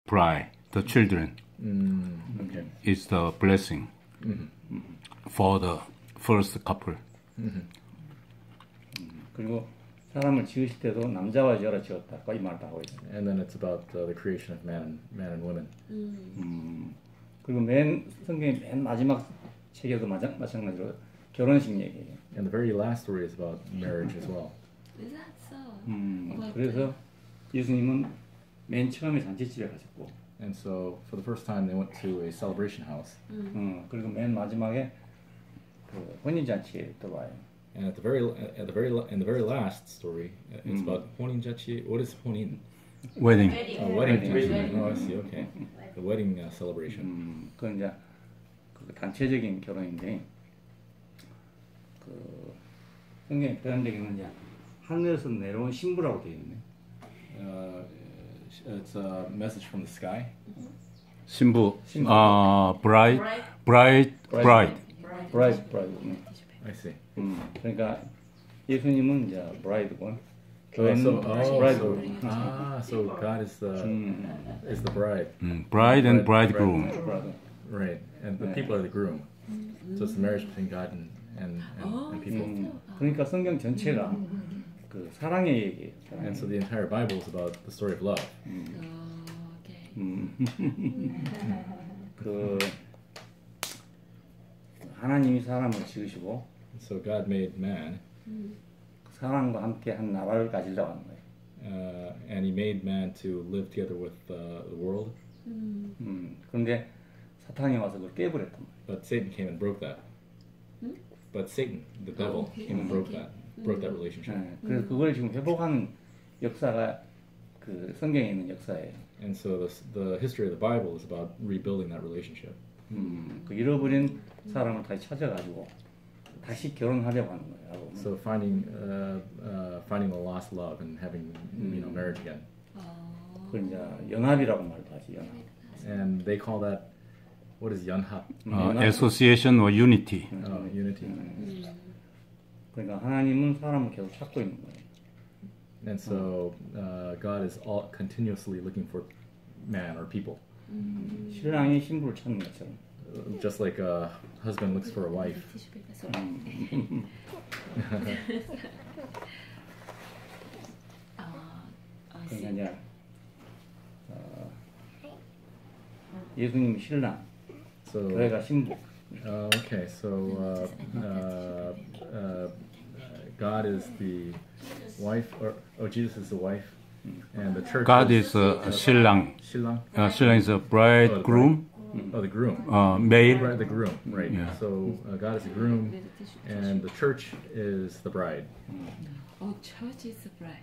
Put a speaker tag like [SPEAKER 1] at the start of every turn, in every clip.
[SPEAKER 1] bride, the children.
[SPEAKER 2] Okay.
[SPEAKER 1] Is the blessing for the first couple.
[SPEAKER 3] 그리고 사람을 지으실 때도 남자와 여자로 지었다. 이 말도 하고 있어요.
[SPEAKER 2] And then it's about the creation of man and woman.
[SPEAKER 3] 그리고 성경의 맨 마지막 책에도 마찬가지로 결혼식 얘기예요.
[SPEAKER 2] And the very last story is about marriage as well.
[SPEAKER 4] Is that so?
[SPEAKER 3] 그래서 예수님은 맨 처음에 잔치집에 가셨고,
[SPEAKER 2] And so for the first time they went to a celebration house.
[SPEAKER 3] 그리고 맨 마지막에 그 혼인 잔치에 또 와요.
[SPEAKER 2] And in the very last story, it's about 혼인잔치. What is 혼인?
[SPEAKER 1] Wedding.
[SPEAKER 2] Wedding. Oh, I see. Okay, the wedding celebration.
[SPEAKER 3] 그건 이제 그 단체적인 결혼인데, 그 성경에 표현되기는 이제 하늘에서 내려온 신부라고 되어 있네.
[SPEAKER 2] It's a message from the sky.
[SPEAKER 1] 신부. Bride.
[SPEAKER 3] bride. 네.
[SPEAKER 2] I see.
[SPEAKER 3] 그러니까 예수님은 이제 bride고, 교회는 bridegroom.
[SPEAKER 2] So God is the bride.
[SPEAKER 1] Bride and bridegroom.
[SPEAKER 2] Right, and the people are the groom. So it's the marriage between God and people.
[SPEAKER 3] 그러니까 성경 전체가 그 사랑의 얘기예요.
[SPEAKER 2] And so the entire Bible is about the story of love.
[SPEAKER 3] 그 하나님이 사람을 지으시고,
[SPEAKER 2] So God made man,
[SPEAKER 3] 사람과 함께 한 나라를 가지려고 하는 거예요.
[SPEAKER 2] and He made man to live together with the world.
[SPEAKER 3] 그런데 사탄이 와서 그걸 깨버렸단 말이에요.
[SPEAKER 2] But Satan came and broke that. But Satan, the devil, came and broke that relationship.
[SPEAKER 3] 그래서 그걸 지금 회복하는 역사가 그 성경에 있는 역사예요.
[SPEAKER 2] And so the history of the Bible is about rebuilding that relationship.
[SPEAKER 3] 그 잃어버린 사람을 다시 찾아가지고 다시 결혼하려고 하는 거예요.
[SPEAKER 2] So finding the lost love and having marriage again.
[SPEAKER 3] 그걸 이제 연합이라고 말도 하지, 연합.
[SPEAKER 2] And they call that, what is 연합?
[SPEAKER 1] Association or unity.
[SPEAKER 2] Unity.
[SPEAKER 3] 그러니까 하나님은 사람을 계속 찾고 있는 거예요.
[SPEAKER 2] And so God is continuously looking for man or people.
[SPEAKER 3] 신랑이 신부를 찾는 것처럼.
[SPEAKER 2] Just like a husband looks for a wife.
[SPEAKER 3] 그러니까 이제 예수님이 신랑,
[SPEAKER 2] So
[SPEAKER 3] 교회가 신부.
[SPEAKER 2] okay, so God is the wife, or Jesus is the wife, and the church.
[SPEAKER 1] God is 신랑.
[SPEAKER 2] 신랑.
[SPEAKER 1] 신랑 is a bridegroom.
[SPEAKER 2] Oh, the groom.
[SPEAKER 1] Male.
[SPEAKER 2] Right, the groom. Right.
[SPEAKER 1] Yeah.
[SPEAKER 2] So God is the groom, and the church is the bride.
[SPEAKER 4] Oh, church is the bride.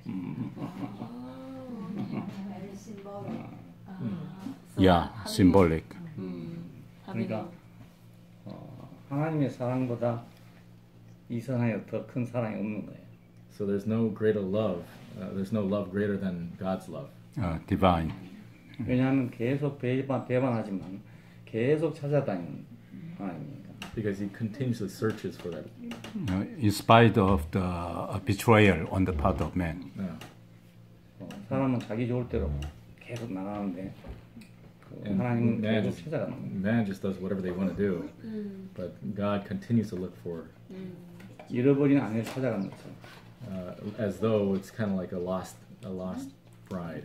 [SPEAKER 1] Yeah, symbolic.
[SPEAKER 3] 그러니까 하나님의 사랑보다 이 세상에 더 큰 사랑이 없는 거예요.
[SPEAKER 2] So there's no greater love. There's no love greater than God's love.
[SPEAKER 1] Divine.
[SPEAKER 3] 왜냐하면 계속 배반하지만 계속 찾아다니는 하나님이니까.
[SPEAKER 2] Because He continuously searches for that.
[SPEAKER 1] In spite of the betrayal on the part of man.
[SPEAKER 3] 사람은 자기 좋을 대로 계속 나가는데
[SPEAKER 2] And
[SPEAKER 3] 하나님은 계속 찾아가는 거예요.
[SPEAKER 2] man just does whatever they want to do, but God continues to look for,
[SPEAKER 3] 잃어버린 아내를 찾아가는 것처럼.
[SPEAKER 2] as though it's kind of like a lost bride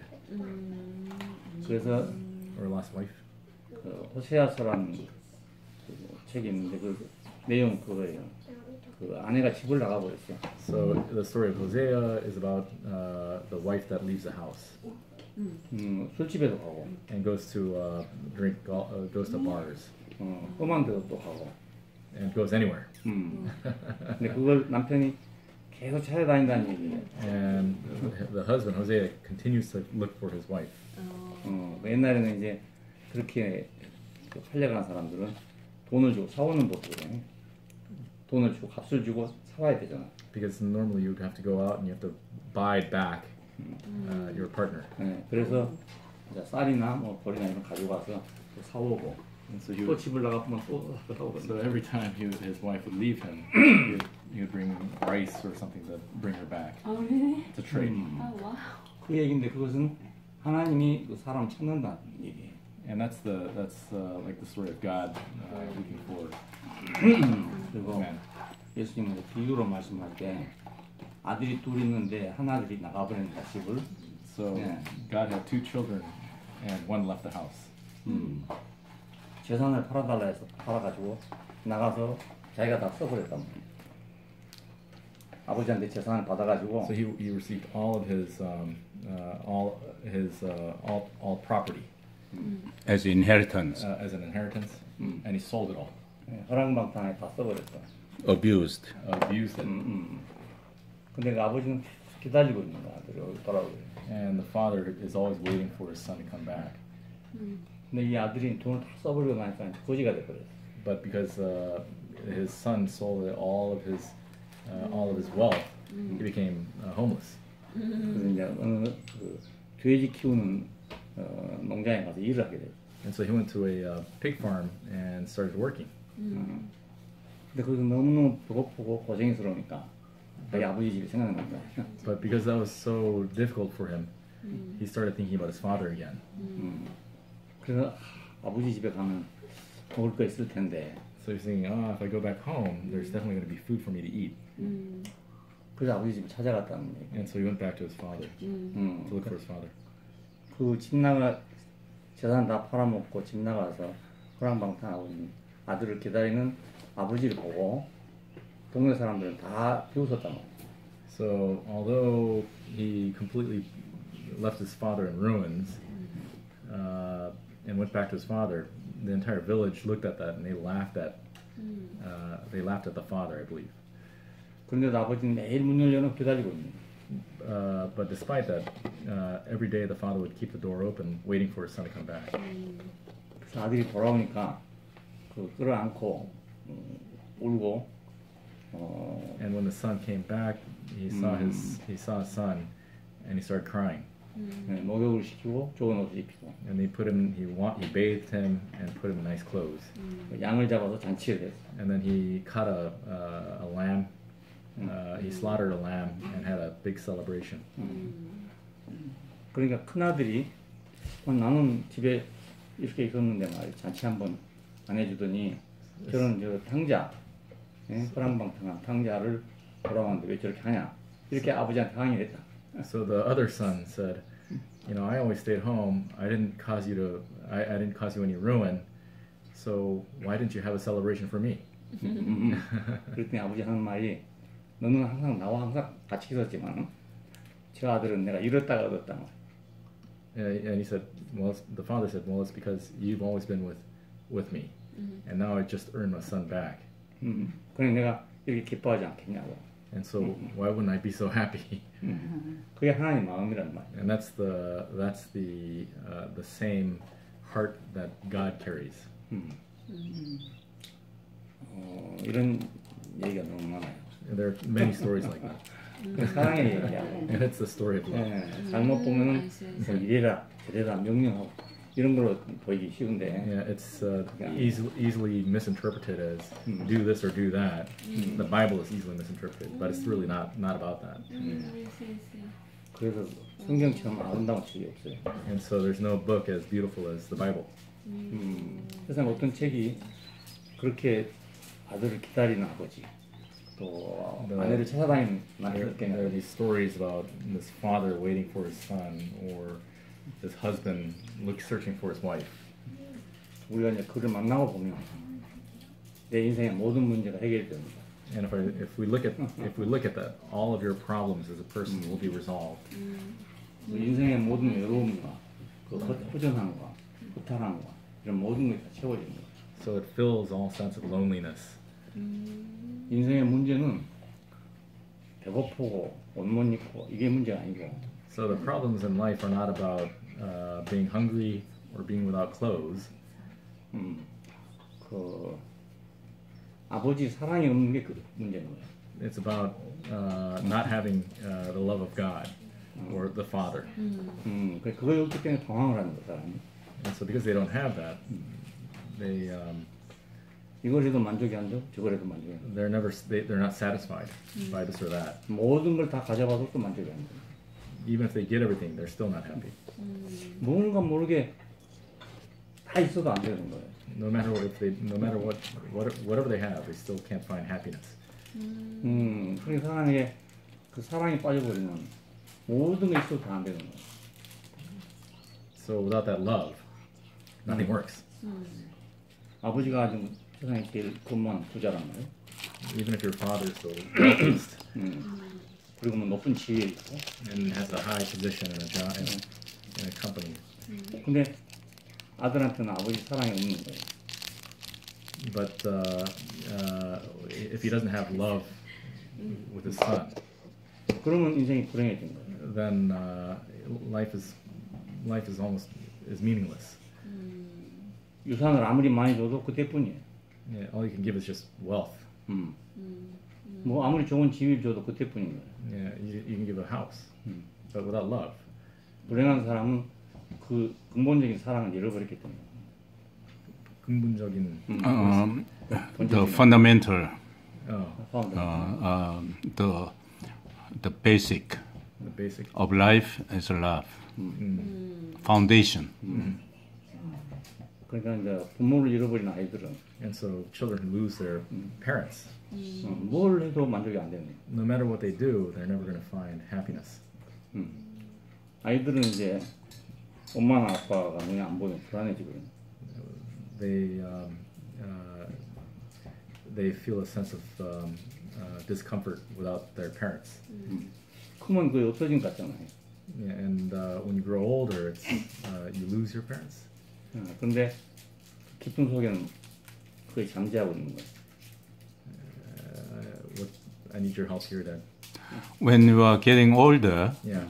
[SPEAKER 3] 그래서
[SPEAKER 2] or a lost wife.
[SPEAKER 3] 그 호세아서라는 그 책이 있는데 그 내용 그거예요. 그 아내가 집을 나가 버렸어요.
[SPEAKER 2] So the story of Hosea is about the wife that leaves the house
[SPEAKER 3] 술집에도 가고,
[SPEAKER 2] and goes to goes to bars
[SPEAKER 3] 험한 데도 또 가고.
[SPEAKER 2] and goes anywhere.
[SPEAKER 3] 근데 그걸 남편이 계속 찾아다닌다는 얘기예요.
[SPEAKER 2] And the husband Hosea continues to look for his wife.
[SPEAKER 3] 옛날에는 이제 그렇게 팔려가는 사람들은 돈을 주고 사오는 법이거든요. 돈을 주고 값을 주고 사와야 되잖아.
[SPEAKER 2] Because normally you'd have to go out and you have to buy back your partner.
[SPEAKER 3] 네, 그래서 이제 쌀이나 뭐 벌이나 이런 거 가지고 가서 또 사오고,
[SPEAKER 2] And so
[SPEAKER 3] 또 집을 나가면 또 사오거든요.
[SPEAKER 2] So every time his wife would leave him, he would bring rice or something to bring her back.
[SPEAKER 4] Oh, really?
[SPEAKER 2] to trade.
[SPEAKER 4] Oh, wow.
[SPEAKER 3] 그 얘기인데 그것은 하나님이 그 사람 찾는다는 얘기예요.
[SPEAKER 2] And that's like the story of God looking for
[SPEAKER 3] 그리고
[SPEAKER 2] man.
[SPEAKER 3] 예수님은 비유로 말씀할 때 아들이 둘 있는데 하나들이 나가버린다 집을.
[SPEAKER 2] So
[SPEAKER 3] Yeah.
[SPEAKER 2] God had two children, and one left the house.
[SPEAKER 3] 재산을 팔아달라 해서 팔아가지고 나가서 자기가 다 써버렸단 말이에요. 아버지한테 재산을 받아가지고
[SPEAKER 2] So he received all of his all property
[SPEAKER 1] As inheritance,
[SPEAKER 2] as an inheritance, and he sold it all,
[SPEAKER 3] 허랑방탕하게 다 써버렸어.
[SPEAKER 1] abused.
[SPEAKER 2] abused it,
[SPEAKER 3] 근데 그 아버지는 기다리고 있는 거야. 아들이 돌아오고.
[SPEAKER 2] and the father is always waiting for his son to come back.
[SPEAKER 3] 근데 이 아들이 돈을 다 써버리고 나니까 거지가 돼버렸어.
[SPEAKER 2] But because his son sold all of his wealth, he became homeless.
[SPEAKER 3] 그래서 이제 어느 그 돼지 키우는 농장에 가서 일을 하게 됐어.
[SPEAKER 2] And so he went to a pig farm and started working.
[SPEAKER 3] 근데 거기서 너무너무 배고프고 고생스러우니까 자기 아버지 집이 생각난 거야.
[SPEAKER 2] But because that was so difficult for him, he started thinking about his father again.
[SPEAKER 3] 그래서 아버지 집에 가면 먹을 거 있을 텐데.
[SPEAKER 2] So he's thinking, if I go back home, there's definitely going to be food for me to eat.
[SPEAKER 3] 그래서 아버지 집을 찾아갔다는 얘기.
[SPEAKER 2] And so he went back to his father to look for his father.
[SPEAKER 3] 그 집 나가 재산 다 팔아먹고 집 나가서 호랑방탕하고 있는 아들을 기다리는 아버지를 보고 동네 사람들은 다 비웃었단 말이야.
[SPEAKER 2] So although he completely left his father in ruins and went back to his father, the entire village looked at that and they laughed at the father, I believe.
[SPEAKER 3] 그런데도 아버지는 매일 문 열려놓고 기다리고 있는 거야.
[SPEAKER 2] But despite that, every day the father would keep the door open, waiting for his son to come back.
[SPEAKER 3] 그래서 아들이 돌아오니까 그 끌어안고 울고
[SPEAKER 2] And when the son came back, he saw his son, and he started crying.
[SPEAKER 3] 목욕을 시키고 좋은 옷을 입히고
[SPEAKER 2] And they put him, he bathed him and put him in nice clothes.
[SPEAKER 3] 양을 잡아서 잔치를 했어.
[SPEAKER 2] And then he caught a lamb. He slaughtered a lamb and had a big celebration.
[SPEAKER 3] 그러니까 큰 아들이 나는 집에 이렇게 있었는데 말이야 잔치 한번 안 해주더니 저런 저 탕자, 호랑방탕한 탕자를 돌아왔는데 왜 저렇게 하냐 이렇게 아버지한테 항의를 했다.
[SPEAKER 2] So the other son said, I always stayed home. I didn't cause you any ruin. So why didn't you have a celebration for me?
[SPEAKER 3] 그랬더니 아버지 하는 말이 너는 항상 나와 항상 같이 있었지만 저 아들은 내가 잃었다가 얻었다.
[SPEAKER 2] And he said, the father said, well, it's because you've always been with me, and now I just earned my son back.
[SPEAKER 3] 그러니 내가 이렇게 기뻐하지 않겠냐고.
[SPEAKER 2] And so why wouldn't I be so happy?
[SPEAKER 3] 그게 하나님 마음이란 말이야.
[SPEAKER 2] And that's the same heart that God carries.
[SPEAKER 3] 이런 얘기가 너무 많아요.
[SPEAKER 2] And there are many stories like that.
[SPEAKER 3] 사랑의 얘기하고
[SPEAKER 2] And it's the story of love.
[SPEAKER 3] 잘못 보면은 뭐 이래라 저래라 명령하고 이런 걸로 보이기 쉬운데
[SPEAKER 2] Yeah, it's easily misinterpreted as do this or do that. The Bible is easily misinterpreted, but it's really not about that.
[SPEAKER 3] 그래서 성경처럼 아름다운 책이 없어요.
[SPEAKER 2] And so there's no book as beautiful as the Bible.
[SPEAKER 3] 세상 어떤 책이 그렇게 아들을 기다리는 아버지 또 아내를 찾아다니는
[SPEAKER 2] There are these stories about this father waiting for his son, or this husband searching for his wife.
[SPEAKER 3] 우리가 이제 그를 만나고 보면 내 인생의 모든 문제가 해결됩니다.
[SPEAKER 2] And if we look at that, all of your problems as a person will be resolved.
[SPEAKER 3] 그 인생의 모든 외로움과 그 허전함과 허탈함과 이런 모든 것이 다 채워집니다.
[SPEAKER 2] So it fills all sense of loneliness.
[SPEAKER 3] 인생의 문제는 배고프고 옷 못 입고 이게 문제가 아니고
[SPEAKER 2] So the problems in life are not about being hungry or being without clothes.
[SPEAKER 3] 그 아버지 사랑이 없는 게 그 문제인 거예요.
[SPEAKER 2] It's about not having the love of God or the Father.
[SPEAKER 3] 그거에 없기 때문에 방황을 하는 거야 사람이.
[SPEAKER 2] And so because they don't have that,
[SPEAKER 3] 이걸 해도 만족이 안 되고 저걸 해도 만족이 안 돼.
[SPEAKER 2] they're not satisfied by this or that.
[SPEAKER 3] 모든 걸 다 가져봐도 또 만족이 안 돼.
[SPEAKER 2] even if they get everything, they're still not happy.
[SPEAKER 3] 뭔가 모르게 다 있어도 안 되는 거예요.
[SPEAKER 2] No matter what, whatever they have, they still can't find happiness.
[SPEAKER 3] 그러니까 사람에게 그 사랑에 빠져버리면 모든 게 있어도 다 안 되는 거예요.
[SPEAKER 2] So without that love, nothing works.
[SPEAKER 3] 아버지가 지금 세상에 제일 건만 부자란 말이에요.
[SPEAKER 2] Even if your father is the wealthiest
[SPEAKER 3] 그리고 뭐 높은 지위에 있고.
[SPEAKER 2] and has a high position in a job in a company,
[SPEAKER 3] 근데 아들한테는 아버지 사랑이 없는 거예요.
[SPEAKER 2] but if he doesn't have love with his son,
[SPEAKER 3] 그러면 인생이 불행해진 거예요.
[SPEAKER 2] then life is almost meaningless.
[SPEAKER 3] 유산을 아무리 많이 줘도 그때뿐이에요.
[SPEAKER 2] Yeah, all you can give is just wealth.
[SPEAKER 3] 뭐 아무리 좋은 지위를 줘도 그때뿐인 거예요.
[SPEAKER 2] Yeah, you can give a house, but without love,
[SPEAKER 3] 불행한 사람은 그 근본적인 사랑을 잃어버렸기 때문에.
[SPEAKER 2] 근본적인
[SPEAKER 1] The fundamental, the basic
[SPEAKER 2] the basic.
[SPEAKER 1] of life is love. Foundation.
[SPEAKER 3] 그러니까 이제 부모를 잃어버린 아이들은
[SPEAKER 2] And so children who lose their parents,
[SPEAKER 3] 뭘 해도 만족이 안 되는 거예요.
[SPEAKER 2] no matter what they do, they're never going to find happiness.
[SPEAKER 3] 아이들은 이제 엄마나 아빠가 눈에 안 보이면 불안해지거든요.
[SPEAKER 2] They feel a sense of discomfort without their parents.
[SPEAKER 3] 크면 그게 없어진 것 같잖아요.
[SPEAKER 2] Yeah, and when you grow older, it's you lose your parents.
[SPEAKER 3] 그런데 깊은 속에는 거의 잠재하고 있는 거예요.
[SPEAKER 2] I need your help here, Dad.
[SPEAKER 1] When you are getting older,
[SPEAKER 2] Yeah.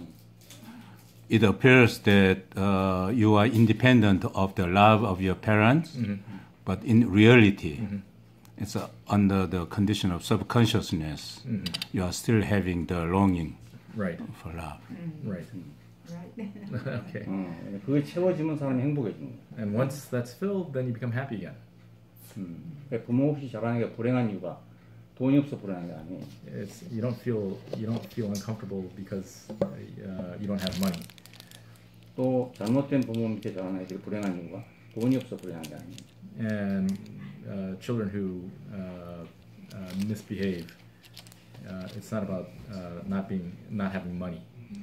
[SPEAKER 1] it appears that you are independent of the love of your parents, but in reality, it's under the condition of subconsciousness. You are still having the longing
[SPEAKER 2] Right.
[SPEAKER 1] for love.
[SPEAKER 2] Right. Okay.
[SPEAKER 3] 그게 채워지면 사람이 행복해지는 거예요.
[SPEAKER 2] And once that's filled, then you become happy again.
[SPEAKER 3] 그러니까 부모 없이 자라는 게 불행한 이유가 돈이 없어 불행한 게 아니에요.
[SPEAKER 2] It's you don't feel uncomfortable because you don't have money.
[SPEAKER 3] 또 잘못된 부모 밑에 자라는 아이들이 불행한 이유가 돈이 없어 불행한 게 아니에요.
[SPEAKER 2] And children who misbehave, it's not about not having money.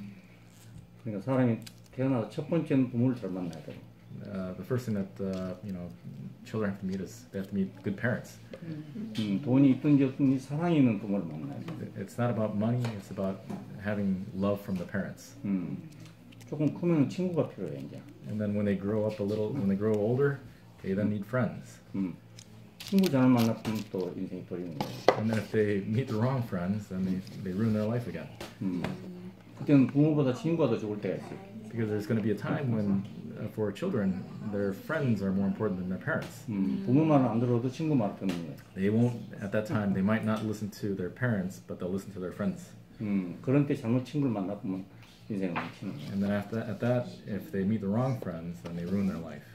[SPEAKER 3] 그러니까 사람이 태어나서 첫 번째는 부모를 잘 만나야 돼요.
[SPEAKER 2] The first thing that children have to meet is they have to meet good parents.
[SPEAKER 3] 돈이 있든지 없든지 사랑이 있는 부모를 만나야 돼요.
[SPEAKER 2] It's not about money. It's about having love from the parents.
[SPEAKER 3] 조금 크면 친구가 필요해 이제.
[SPEAKER 2] And then when they grow up when they grow older, they then need friends.
[SPEAKER 3] 친구 잘못 만났으면 또 인생이 버리는 거예요.
[SPEAKER 2] And then if they meet the wrong friends, then they ruin their life again.
[SPEAKER 3] 그때는 부모보다 친구가 더 좋을 때가 있어요.
[SPEAKER 2] Because there's going to be a time when, for children, their friends are more important than their parents.
[SPEAKER 3] 부모 말을 안 들어도 친구 말을 듣는 거예요.
[SPEAKER 2] They won't, at that time, they might not listen to their parents, but they'll listen to their friends.
[SPEAKER 3] 그런 때 잘못 친구를 만나보면 인생을 망치는 거예요.
[SPEAKER 2] And then at that, if they meet the wrong friends, then they ruin their life.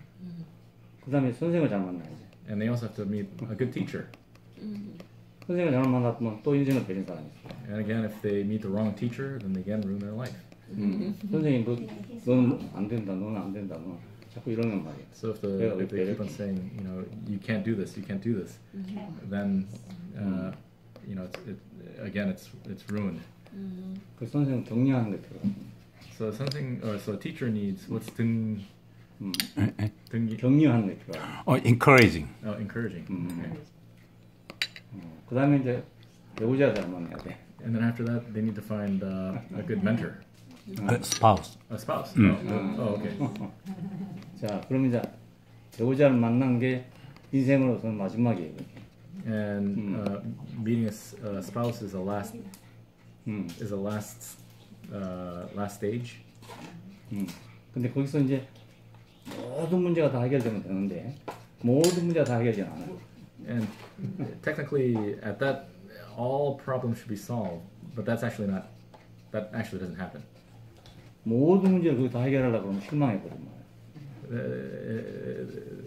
[SPEAKER 3] 그 다음에 선생을 잘 만나야지.
[SPEAKER 2] And they also have to meet a good teacher.
[SPEAKER 3] 선생을 잘못 만나보면 또 인생을 버린 사람이 있어요.
[SPEAKER 2] And again, if they meet the wrong teacher, then they again ruin their life.
[SPEAKER 3] 선생님 너는 안 된다, 너는 안 된다, 너 자꾸 이러는 말이에요.
[SPEAKER 2] So if they keep on saying, you can't do this, then it's ruined.
[SPEAKER 3] 그 선생은 격려하는 게 필요해요.
[SPEAKER 2] So a teacher needs what's
[SPEAKER 3] 격려하는 게 필요해요.
[SPEAKER 1] Encouraging.
[SPEAKER 2] encouraging. Okay.
[SPEAKER 3] 그 다음에 이제 배우자 잘 만나야 돼.
[SPEAKER 2] And then after that, they need to find a good mentor.
[SPEAKER 1] Spouse.
[SPEAKER 2] A spouse. Okay.
[SPEAKER 3] 자, 그럼 이제 배우자를 만난 게 인생으로서는 마지막이에요.
[SPEAKER 2] And meeting a spouse is a last stage.
[SPEAKER 3] 근데 거기서 이제 모든 문제가 다 해결되면 되는데 모든 문제가 다 해결되지 않아요.
[SPEAKER 2] And technically, at that, all problems should be solved, but that actually doesn't happen.
[SPEAKER 3] 모든 문제를 거기 다 해결하려고 그러면 실망해버린 거예요.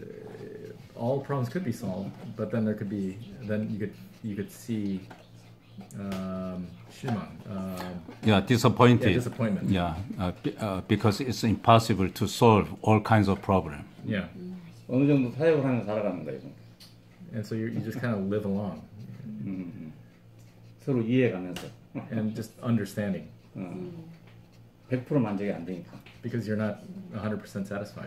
[SPEAKER 2] All problems could be solved, but then you could see 실망.
[SPEAKER 1] Yeah, disappointed.
[SPEAKER 2] Yeah, disappointment.
[SPEAKER 1] Yeah, because it's impossible to solve all kinds of problems.
[SPEAKER 2] Yeah.
[SPEAKER 3] 어느 정도 타협을 하면서 살아가는 거예요.
[SPEAKER 2] And so you just kind of live along
[SPEAKER 3] 서로 이해해가면서.
[SPEAKER 2] and just understanding
[SPEAKER 3] 100% 만족이 안 되니까.
[SPEAKER 2] because you're not 100% satisfied.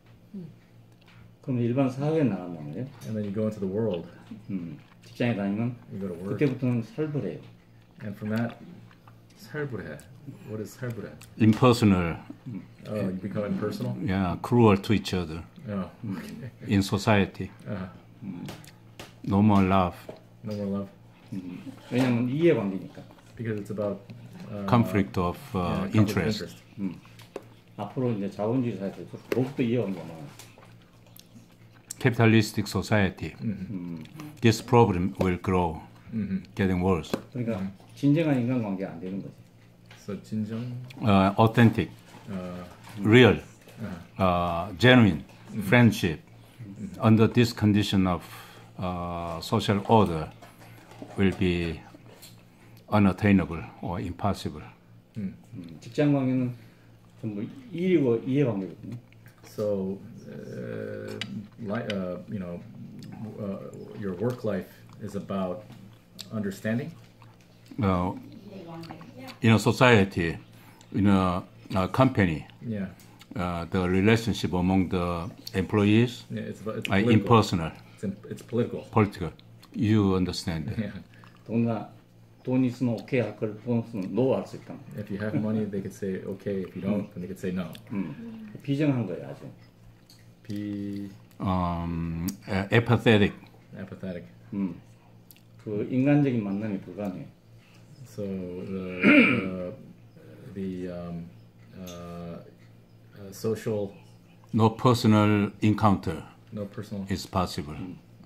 [SPEAKER 3] 그럼 일반 사회에 나간단 말이에요.
[SPEAKER 2] And then you go into the world,
[SPEAKER 3] 직장에 다니면
[SPEAKER 2] you go to work,
[SPEAKER 3] 그때부터는 살벌해요.
[SPEAKER 2] and from that, 살부해. What is 살부해?
[SPEAKER 1] Impersonal,
[SPEAKER 2] Oh, you become impersonal?
[SPEAKER 1] yeah, cruel to each other
[SPEAKER 2] Oh, okay.
[SPEAKER 1] in society.
[SPEAKER 2] Uh,
[SPEAKER 1] No more love,
[SPEAKER 2] no more love.
[SPEAKER 3] 왜냐하면 이해관계니까.
[SPEAKER 2] Because it's about
[SPEAKER 1] conflict of
[SPEAKER 2] yeah, conflict of
[SPEAKER 1] interest.
[SPEAKER 3] 앞으로 이제 자본주의 사회에서 더욱더 이해관계가 많아요.
[SPEAKER 1] Capitalistic society, this problem will grow, getting worse.
[SPEAKER 3] 그러니까 진정한 인간관계가 안 되는 거지.
[SPEAKER 2] So 진정,
[SPEAKER 1] Authentic, real, genuine friendship under this condition of social order will be unattainable or impossible.
[SPEAKER 3] 직장 관계는 전부 일이고 이해관계거든요.
[SPEAKER 2] So, your work life is about understanding.
[SPEAKER 1] In a society, in a company,
[SPEAKER 2] Yeah,
[SPEAKER 1] the relationship among the employees
[SPEAKER 2] yeah it's
[SPEAKER 1] are
[SPEAKER 2] political.
[SPEAKER 1] impersonal,
[SPEAKER 2] It's political.
[SPEAKER 1] political. You understand.
[SPEAKER 2] Yeah.
[SPEAKER 3] 돈 있으면 오케이 할 걸 돈 없으면 노 할 수 있다.
[SPEAKER 2] If you have money, they could say okay. If you don't, then they could say no.
[SPEAKER 3] 비정한 거예요, 아주.
[SPEAKER 2] Be
[SPEAKER 1] Apathetic.
[SPEAKER 2] apathetic.
[SPEAKER 3] 그 인간적인 만남이 불가능해.
[SPEAKER 2] So the social,
[SPEAKER 1] No personal encounter
[SPEAKER 2] no personal.
[SPEAKER 1] is possible.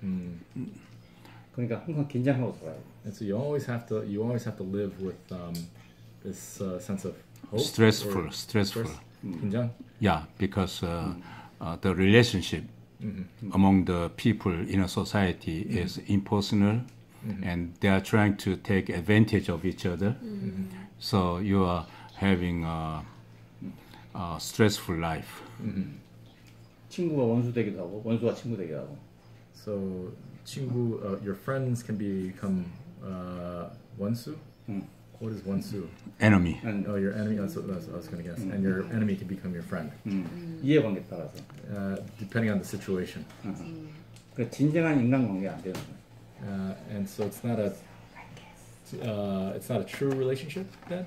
[SPEAKER 3] 그러니까 항상 긴장하고 살아요.
[SPEAKER 2] And so you always have to live with this sense of hope.
[SPEAKER 1] Stressful.
[SPEAKER 2] Stress. 긴장.
[SPEAKER 1] Yeah, because the relationship among the people in a society is impersonal, and they are trying to take advantage of each other. So you are having a stressful life.
[SPEAKER 3] 친구가 원수 되기도 하고 원수가 친구 되기도 하고.
[SPEAKER 2] So 친구, your friends can become 원수. What is 원수?
[SPEAKER 1] Enemy.
[SPEAKER 2] Oh, your enemy. That's what I was going to guess. And your enemy can become your friend,
[SPEAKER 3] 이해관계에 따라서.
[SPEAKER 2] depending on the situation.
[SPEAKER 3] 그 진정한 인간관계가 안 되는 거예요.
[SPEAKER 2] And so it's not a true relationship then.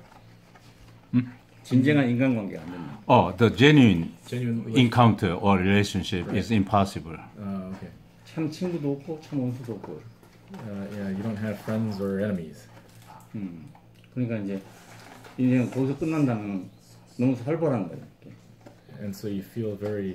[SPEAKER 3] 진정한 인간관계가 안 되는 거예요.
[SPEAKER 1] Oh, the genuine
[SPEAKER 2] Genuine relationship.
[SPEAKER 1] encounter or relationship is impossible.
[SPEAKER 2] Okay.
[SPEAKER 3] 참 친구도 없고 참 원수도 없고.
[SPEAKER 2] Yeah, you don't have friends or enemies.
[SPEAKER 3] 그러니까 이제 인생은 거기서 끝난다면 너무 살벌한 거예요.
[SPEAKER 2] And so you feel very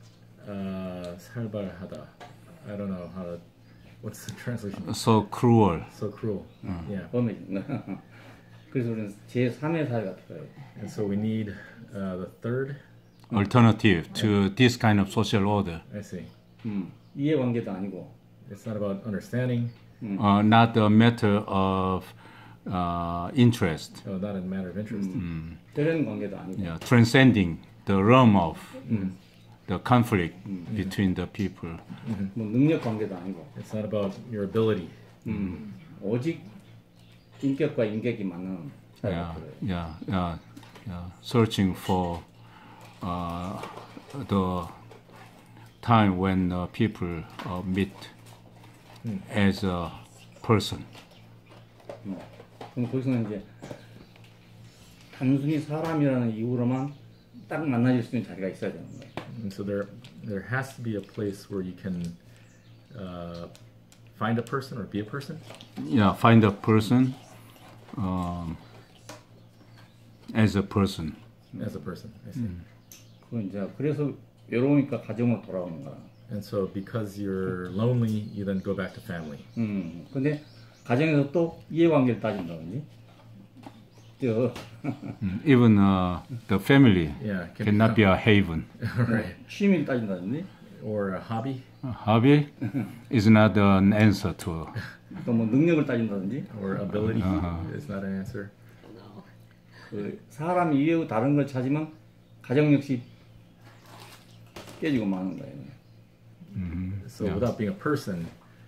[SPEAKER 2] 살벌하다. I don't know how to. What's the translation?
[SPEAKER 1] So cruel.
[SPEAKER 2] So cruel. Yeah.
[SPEAKER 3] 범해진다. 그래서 우리는 제3의 사회가 필요해요.
[SPEAKER 2] And so we need the third.
[SPEAKER 1] Alternative to this kind of social order.
[SPEAKER 2] I see.
[SPEAKER 3] 이해관계도 아니고
[SPEAKER 2] It's not about understanding.
[SPEAKER 1] Not a matter of interest.
[SPEAKER 2] Not a matter of interest.
[SPEAKER 3] 대련 관계도 아니고
[SPEAKER 1] Yeah, transcending the realm of the conflict between the people.
[SPEAKER 3] 뭐 능력 관계도 아니고
[SPEAKER 2] It's not about your ability.
[SPEAKER 3] 오직 인격과 인격이 만나는 사회가
[SPEAKER 1] Yeah,
[SPEAKER 3] 필요해요.
[SPEAKER 1] yeah. Searching for the time when people meet as a person.
[SPEAKER 3] 그럼 거기서는 이제 단순히 사람이라는 이유로만 딱 만나질 수 있는 자리가 있어야 되는 거예요.
[SPEAKER 2] And so there has to be a place where you can find a person or be a person.
[SPEAKER 1] Yeah, find a person as a person.
[SPEAKER 2] As a person. I see.
[SPEAKER 3] 그래서 외로우니까 가정으로 돌아오는 거야.
[SPEAKER 2] And so because you're lonely, you then go back to family.
[SPEAKER 3] 근데 가정에서 또 이해관계를 따진다든지.
[SPEAKER 1] Even the family
[SPEAKER 2] Yeah,
[SPEAKER 1] cannot be a haven.
[SPEAKER 2] Right.
[SPEAKER 3] 취미를 따진다든지.
[SPEAKER 2] Or a hobby,
[SPEAKER 1] Hobby is not an answer to.
[SPEAKER 3] 또 뭐 능력을 따진다든지
[SPEAKER 2] or ability is not an answer.
[SPEAKER 4] No.
[SPEAKER 3] 그 사람이 이외의 다른 걸 찾으면 가정 역시 깨지고 마는 거예요.
[SPEAKER 2] So
[SPEAKER 1] Yeah.
[SPEAKER 2] without being a person,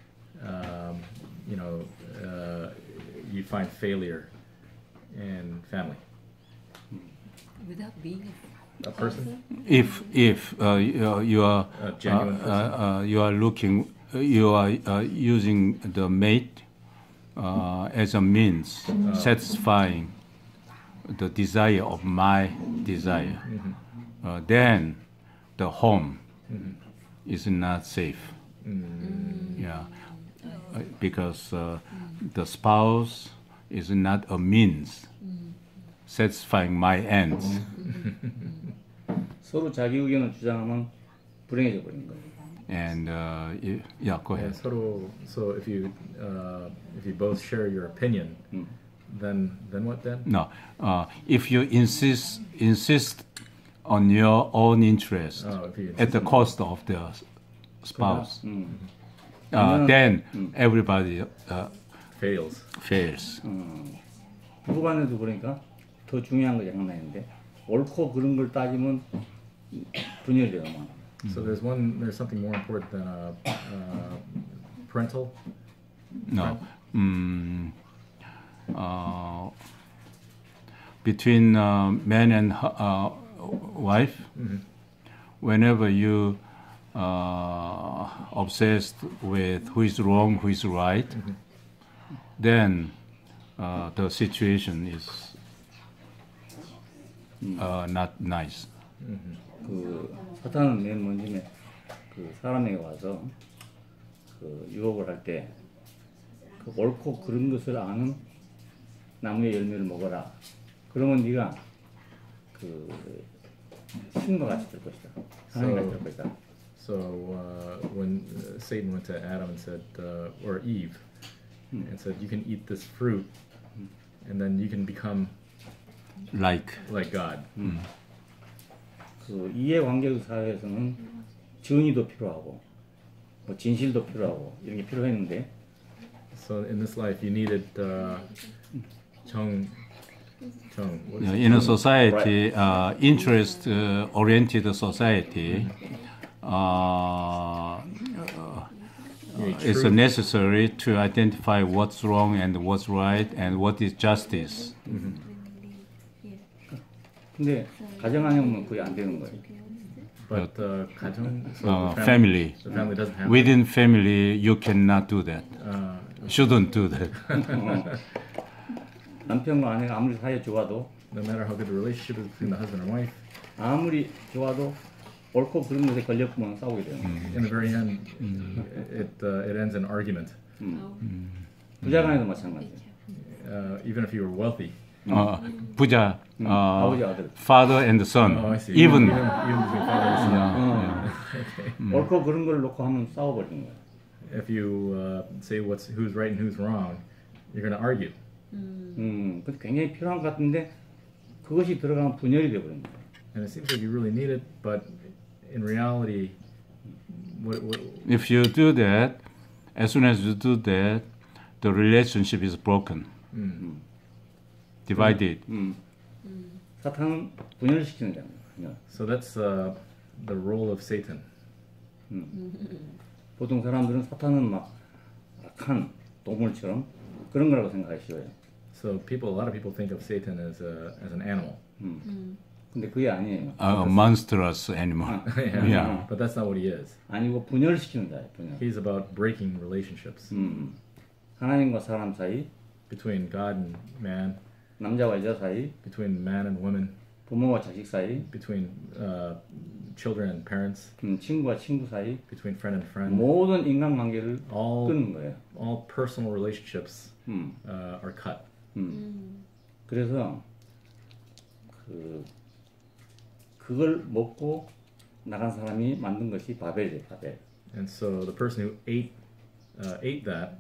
[SPEAKER 2] you find failure in family.
[SPEAKER 4] Without being
[SPEAKER 2] A person?
[SPEAKER 1] If you are
[SPEAKER 2] A genuine person.
[SPEAKER 1] you are looking you are using the mate as a means satisfying the desire of my desire, then the home is not safe. Yeah, because the spouse is not a means satisfying my ends.
[SPEAKER 3] 서로 자기 의견을 주장하면 불행해져 버린 거예요.
[SPEAKER 1] And yeah, go ahead.
[SPEAKER 2] So if you both share your opinion, then what then?
[SPEAKER 1] No, if you insist on your own interest
[SPEAKER 2] If you
[SPEAKER 1] at the cost of the spouse,
[SPEAKER 3] 아니면-
[SPEAKER 1] then everybody
[SPEAKER 2] Fails.
[SPEAKER 1] fails.
[SPEAKER 3] 부부간에도 그러니까 더 중요한 거 하나 있는데 옳고 그른 걸 따지면 분열이 되고 막.
[SPEAKER 2] So there's something more important than parental.
[SPEAKER 1] No, between man and wife, whenever you obsessed with who is wrong, who is right, then the situation is not nice.
[SPEAKER 3] 그 사탄은 맨 먼저 그 사람에게 와서 그 유혹을 할 때 그 옳고 그른 것을 아는 나무의 열매를 먹어라. 그러면 네가 그 신과 같이 될 것이다. 하나님 같이 될 것이다.
[SPEAKER 2] So when Satan went to Adam and said, or Eve, and said, you can eat this fruit, and then you can become
[SPEAKER 1] Like
[SPEAKER 2] like God.
[SPEAKER 3] 그 이해관계 사회에서는 정의도 필요하고 뭐 진실도 필요하고 이런 게 필요했는데
[SPEAKER 2] So in this life, you needed what is it?
[SPEAKER 1] in a society, interest-oriented society, it's necessary to identify what's wrong and what's right and what is justice.
[SPEAKER 3] 근데 가정안에는 그게 안 되는 거예요.
[SPEAKER 2] But 가정, so
[SPEAKER 1] Family.
[SPEAKER 2] the family doesn't have
[SPEAKER 1] Within family, you cannot do that. Shouldn't do that.
[SPEAKER 3] 남편과 아내가 아무리 사이에 좋아도
[SPEAKER 2] no matter how good the relationship is between the husband and wife,
[SPEAKER 3] 아무리 좋아도 옳고 그른 것에 걸렸으면 싸우게 돼요.
[SPEAKER 2] in the very end, it ends in argument.
[SPEAKER 3] 부자간에도 마찬가지예요.
[SPEAKER 2] Even if you were wealthy.
[SPEAKER 1] 부자,
[SPEAKER 3] 아버지 아들.
[SPEAKER 1] father and son.
[SPEAKER 2] Oh, I see.
[SPEAKER 1] Even
[SPEAKER 2] between father and son.
[SPEAKER 3] 옳고 그른 걸 놓고 하면 싸워버리는 거예요.
[SPEAKER 2] If you say who's right and who's wrong, you're going to argue.
[SPEAKER 3] 그게 굉장히 필요한 것 같은데 그것이 들어가면 분열이 돼버리는 거예요.
[SPEAKER 2] And it seems like you really need it, but in reality,
[SPEAKER 1] if you do that, as soon as you do that, the relationship is broken, divided.
[SPEAKER 3] 사탄은 분열시키는 거예요. 분열.
[SPEAKER 2] so that's the role of Satan.
[SPEAKER 3] 보통 사람들은 사탄은 막 악한 동물처럼 그런 거라고 생각하기 쉬워요.
[SPEAKER 2] So a lot of people think of Satan as an animal.
[SPEAKER 3] 근데 그게 아니에요.
[SPEAKER 1] A monstrous animal. Yeah.
[SPEAKER 2] But that's not what he is.
[SPEAKER 3] 아니고 분열시키는 자예요. 분열.
[SPEAKER 2] He's about breaking relationships
[SPEAKER 3] 하나님과 사람 사이,
[SPEAKER 2] between God and man,
[SPEAKER 3] 남자와 여자 사이,
[SPEAKER 2] between man and woman,
[SPEAKER 3] 부모와 자식 사이,
[SPEAKER 2] between children and parents,
[SPEAKER 3] 친구와 친구 사이,
[SPEAKER 2] between friend and friend.
[SPEAKER 3] 모든 인간관계를
[SPEAKER 2] All
[SPEAKER 3] 끊는 거예요.
[SPEAKER 2] all personal relationships are cut.
[SPEAKER 3] 그래서 그걸 먹고 나간 사람이 만든 것이 바벨이에요. 바벨.
[SPEAKER 2] And so the person who ate that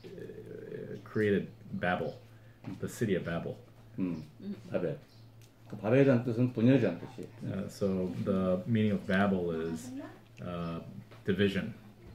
[SPEAKER 2] created Babel, the city of Babel.
[SPEAKER 3] 바벨. 그 바벨이라는 뜻은 분열이라는 뜻이에요.
[SPEAKER 2] So the meaning of Babel is division.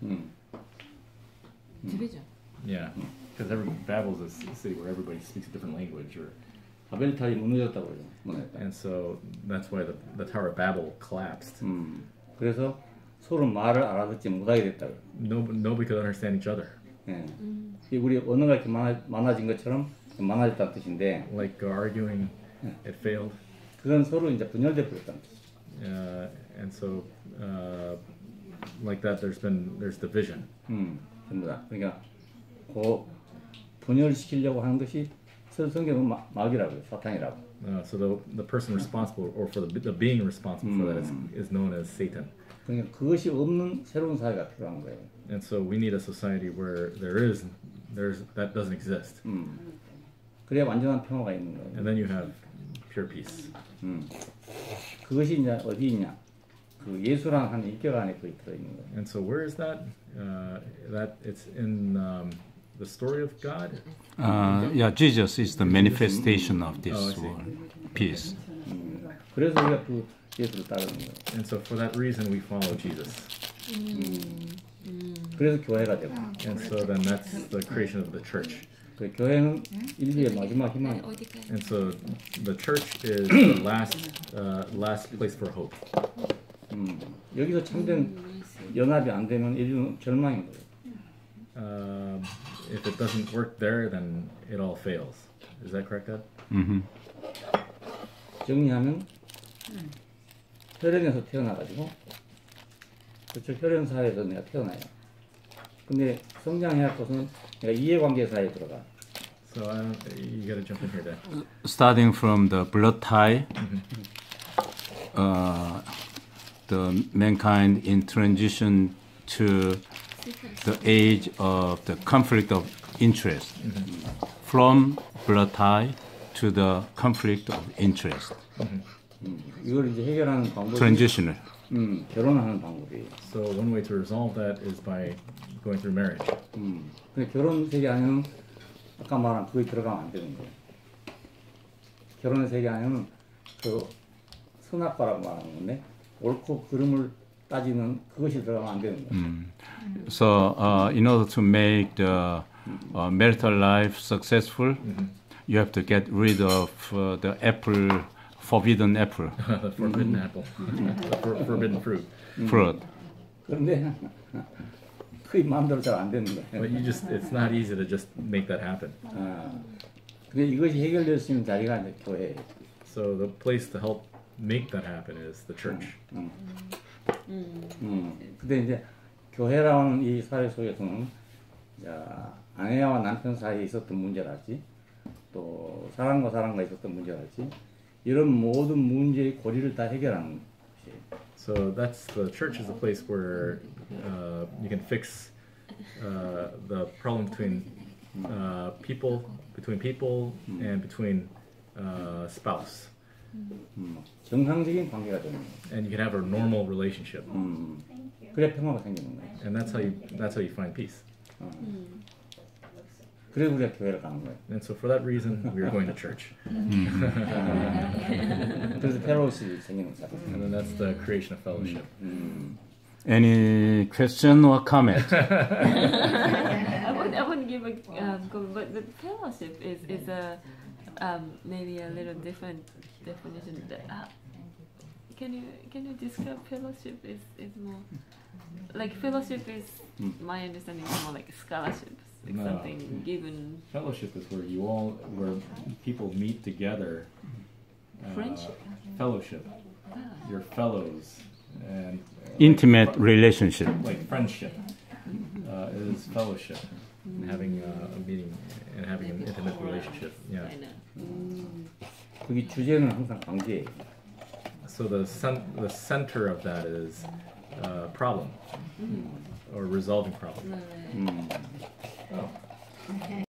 [SPEAKER 4] Division.
[SPEAKER 2] Yeah, because Babel is a city where everybody speaks a different language,
[SPEAKER 3] 바벨 탑이 무너졌다고 그러죠. 무너졌다.
[SPEAKER 2] and so that's why the Tower of Babel collapsed.
[SPEAKER 3] 그래서 서로 말을 알아듣지 못하게 됐다고.
[SPEAKER 2] Nobody could understand each other.
[SPEAKER 3] 예. 이 우리 언어가 이렇게 많아진 것처럼 많아졌다는 뜻인데,
[SPEAKER 2] Like arguing, it failed,
[SPEAKER 3] 그건 서로 이제 분열돼 버렸다는 뜻.
[SPEAKER 2] and so like that, there's division.
[SPEAKER 3] 전부 다. 그러니까 그 분열시키려고 하는 것이 성경은 마귀라고요, 사탄이라고.
[SPEAKER 2] So the person responsible, or for the being responsible for that, is known as Satan.
[SPEAKER 3] 그러니까 그것이 없는 새로운 사회가 필요한 거예요.
[SPEAKER 2] And so we need a society where there's that doesn't exist,
[SPEAKER 3] 그래야 완전한 평화가 있는 거예요.
[SPEAKER 2] and then you have pure peace.
[SPEAKER 3] 그것이 이제 어디 있냐? 그 예수라는 한 인격 안에 거의 들어 있는 거예요.
[SPEAKER 2] And so where is that? That it's in the story of God.
[SPEAKER 1] Yeah, Jesus is the manifestation of this
[SPEAKER 2] I see.
[SPEAKER 1] world, peace.
[SPEAKER 3] 그래서 우리가 그 예수를 따르는 거예요.
[SPEAKER 2] And so for that reason we follow Jesus.
[SPEAKER 3] 그래서 교회가 되고,
[SPEAKER 2] And so then that's the creation of the church.
[SPEAKER 3] 그 교회는 인류의 마지막 희망.
[SPEAKER 4] 어디까지?
[SPEAKER 2] And so the church is the last place for hope.
[SPEAKER 3] 여기서 참된 연합이 안 되면 인류는 절망인 거예요.
[SPEAKER 2] If it doesn't work there, then it all fails. Is that correct, Dad?
[SPEAKER 3] 정리하면 혈연에서 태어나가지고, 그렇죠, 혈연 사회에서 내가 태어나요. 근데 성장해야 것은 내가 이해관계 사회에 들어가.
[SPEAKER 2] So you got to jump in here, Dad.
[SPEAKER 1] Starting from the blood tie, the mankind in transition to the age of the conflict of interest, from blood tie to the conflict of interest,
[SPEAKER 3] 이걸 이제 해결하는 방법이
[SPEAKER 1] transitional.
[SPEAKER 3] 결혼하는 방법이에요.
[SPEAKER 2] So one way to resolve that is by going through marriage.
[SPEAKER 3] 근데 결혼 세계 안에는 아까 말한 그게 들어가면 안 되는 거예요. 결혼의 세계 안에는 그 선악과라고 말하는 건데, 옳고 그름을 따지는 그것이 들어가면 안 되는 거예요.
[SPEAKER 1] So, in order to make the marital life successful, you have to get rid of the apple, forbidden apple,
[SPEAKER 2] The forbidden apple, the forbidden fruit.
[SPEAKER 1] fruit.
[SPEAKER 3] 그런데 그게 마음대로 잘 안 되는 거예요.
[SPEAKER 2] But it's not easy to just make that happen.
[SPEAKER 3] 근데 이것이 해결될 수 있는 자리가 이제 교회예요.
[SPEAKER 2] So the place to help make that happen is the church.
[SPEAKER 3] 근데 이제 교회라는 이 사회 속에서는 자, 아내와 남편 사이에 있었던 문제랄지, 또 사람과 사람과 있었던 문제랄지, 이런 모든 문제의 고리를 다 해결하는 곳이에요.
[SPEAKER 2] So the church is a place where you can fix the problem between people and between spouse.
[SPEAKER 3] 정상적인 관계가 되는 거예요.
[SPEAKER 2] And you can have a normal relationship.
[SPEAKER 3] 그래 평화가 생기는 거예요.
[SPEAKER 2] And that's how you find peace.
[SPEAKER 3] 그래서 우리가 교회를 가는 거예요.
[SPEAKER 2] And so for that reason, we are going to church.
[SPEAKER 3] 그래서 펠로우십이 생기는 거예요.
[SPEAKER 2] And then that's the creation of fellowship.
[SPEAKER 1] Any question or comment?
[SPEAKER 4] I would give a comment, but the fellowship is a maybe a little different definition. Can you describe fellowship? Is more like fellowship is my understanding is more like scholarships, like
[SPEAKER 2] No.
[SPEAKER 4] something given.
[SPEAKER 2] Fellowship is where people meet together.
[SPEAKER 4] Friendship.
[SPEAKER 2] Fellowship. Your fellows and
[SPEAKER 1] Intimate relationship.
[SPEAKER 2] like friendship is fellowship. Having a meeting and having an intimate relationship. Yeah.
[SPEAKER 4] I know.
[SPEAKER 3] 거기 주제는 항상 관계예요.
[SPEAKER 2] So the center of that is problem or resolving problem.
[SPEAKER 4] Right.